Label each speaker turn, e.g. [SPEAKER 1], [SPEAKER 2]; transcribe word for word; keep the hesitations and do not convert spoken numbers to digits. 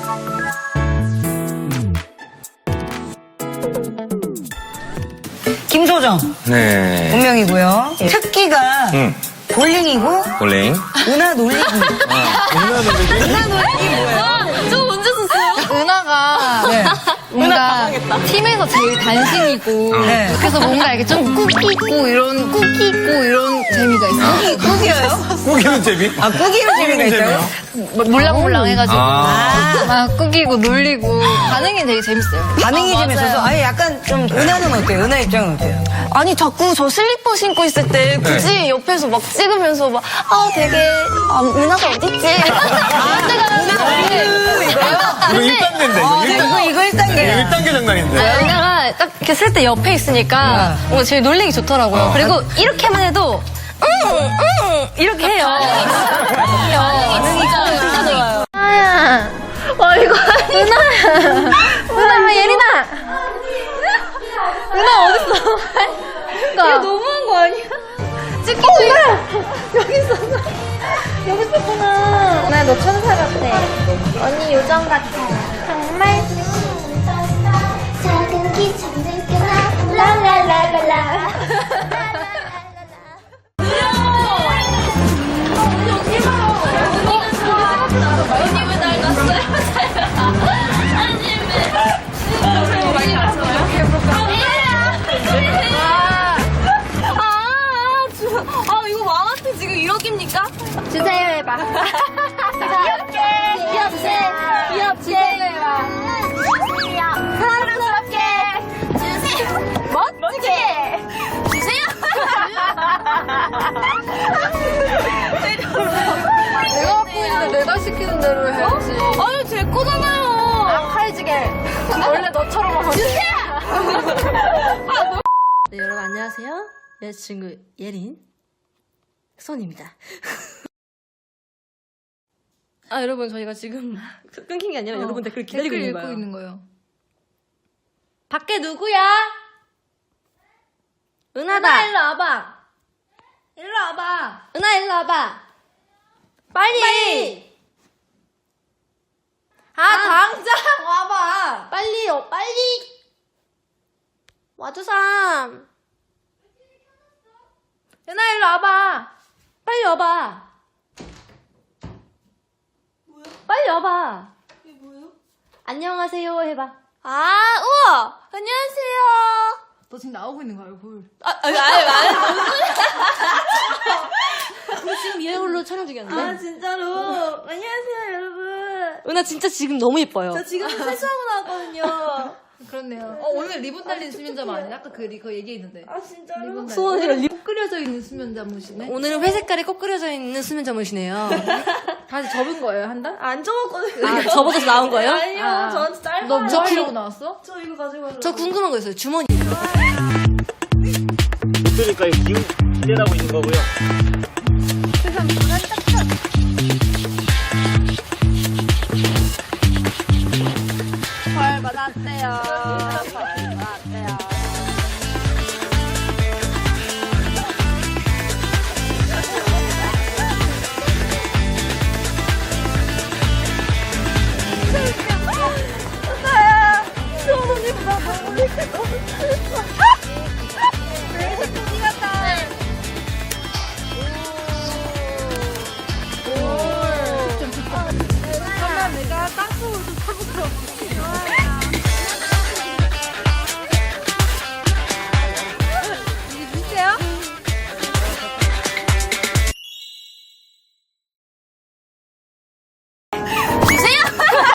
[SPEAKER 1] 김소정.
[SPEAKER 2] 네.
[SPEAKER 1] 본명이고요. 특기가
[SPEAKER 2] 응.
[SPEAKER 1] 볼링이고,
[SPEAKER 2] 볼링.
[SPEAKER 1] 은하 놀리기.
[SPEAKER 2] 아, 은하 놀리기?
[SPEAKER 1] 은하 놀리기 뭐예요?
[SPEAKER 3] 저 언제 썼어요? 은하가
[SPEAKER 1] 네.
[SPEAKER 3] 뭔가 팀에서 제일 단신이고
[SPEAKER 1] 네.
[SPEAKER 3] 그래서 뭔가 이렇게 좀 꾹 있고 이런 꾹 있고 이런 재미가 있어요.
[SPEAKER 1] 꾹이요?
[SPEAKER 2] 꾸기는 재미?
[SPEAKER 1] 아, 꾹이로 재미가 있어요?
[SPEAKER 3] 몰랑몰랑 해가지고
[SPEAKER 2] 아.
[SPEAKER 3] 막 꾸기고 놀리고 반응이 되게 재밌어요.
[SPEAKER 1] 반응이 좀 있어서, 아니, 약간 좀, 은하는 어때요? 은하 입장은 어때요?
[SPEAKER 4] 아니 자꾸 저 슬리퍼 신고 있을 때 굳이 옆에서 막 찍으면서 막 아 되게 아 은하가 어딨지? 아 내가 은하가
[SPEAKER 2] 이거 일 단계인데, 이거
[SPEAKER 1] 아,
[SPEAKER 2] 일 단계.
[SPEAKER 1] 이거, 이거 일 단계야.
[SPEAKER 2] 일 단계 장난인데.
[SPEAKER 4] 은하가 딱 이렇게 쓸 때 옆에 있으니까 뭔가 제일 놀리기 좋더라고요.
[SPEAKER 2] 어.
[SPEAKER 4] 그리고 이렇게만 해도 응응 이렇게 해요. 반응이 진짜 좋아요.
[SPEAKER 3] 은하야. 와 이거 은하야. 은하 예린아. 은하 어딨어? 이거 너무한 거 아니야? 찍히고 있어. 여기 있었어. 여기 있었구나. 은하야 너 천사 같아. 언니 요정 같아. 정말.
[SPEAKER 5] 작은 기차는 느껴나 라라라라라
[SPEAKER 4] 아 이거 왕한테 지금 이렇게입니까?
[SPEAKER 3] 주세요 해봐.
[SPEAKER 4] 귀엽게 귀엽게 귀엽게
[SPEAKER 3] 해봐.
[SPEAKER 4] 사랑스럽게 주세요 멋지게 주세요
[SPEAKER 3] 내가 갖고 있는데 내가 시키는 대로 해야지.
[SPEAKER 4] 아니 제 거잖아요
[SPEAKER 3] 아, 칼지게. 원래 너처럼 하지.
[SPEAKER 6] 네, 여러분 안녕하세요. 여자친구 예린 손입니다. 아 여러분 저희가 지금 끊긴 게 아니라 여러분 댓글 기다리고 있는 거예요.
[SPEAKER 3] 있는 거예요.
[SPEAKER 6] 밖에 누구야? 은하다. 은하 일로 와봐. 일로 와봐. 은하 일로 와봐. 빨리. 빨리. 아, 아 당장 와봐. 빨리요 빨리. 와주삼. 은하 일로 와봐. 빨리 와봐. 뭐야? 빨리 와봐. 이게 뭐예요? 안녕하세요 해봐.
[SPEAKER 4] 아 우와 안녕하세요
[SPEAKER 3] 너 지금 나오고 있는 거야, 얼굴.
[SPEAKER 4] 아 아니 아니 아니
[SPEAKER 6] 우리 지금 이 얼굴로 촬영 중이었는데.
[SPEAKER 4] 아 진짜로 안녕하세요 여러분
[SPEAKER 6] 은하 진짜 지금 너무 예뻐요.
[SPEAKER 4] 저 지금 세수하고 나왔거든요
[SPEAKER 3] 그렇네요. 어, 오늘 리본 달린 수면잠 아니야? 아까 그, 리- 그 얘기했는데.
[SPEAKER 4] 아 진짜로
[SPEAKER 3] 리본 달린.
[SPEAKER 6] 수원이랑 리...
[SPEAKER 3] 꼭 끓여져 있는 수면잠옷이네.
[SPEAKER 6] 오늘은 회 색깔이 꼭 그려져 있는 수면 잠옷이네요.
[SPEAKER 3] 다시 접은 거예요, 한 달?
[SPEAKER 4] 안 적었거든요
[SPEAKER 6] 아, 접어서 나온 거예요?
[SPEAKER 4] 아니요
[SPEAKER 3] 아.
[SPEAKER 4] 저한테 짧아요
[SPEAKER 3] 너 뭐 하려고 나왔어?
[SPEAKER 4] 저 이거 가지고 가려고
[SPEAKER 6] 저 궁금한 거 있어요. 주머니.
[SPEAKER 7] 그러니까 기운 기대하고 있는 거고요.
[SPEAKER 4] 벌 받았대요 벌 받았대요
[SPEAKER 3] 내가 땅속으로 좀 타볼까?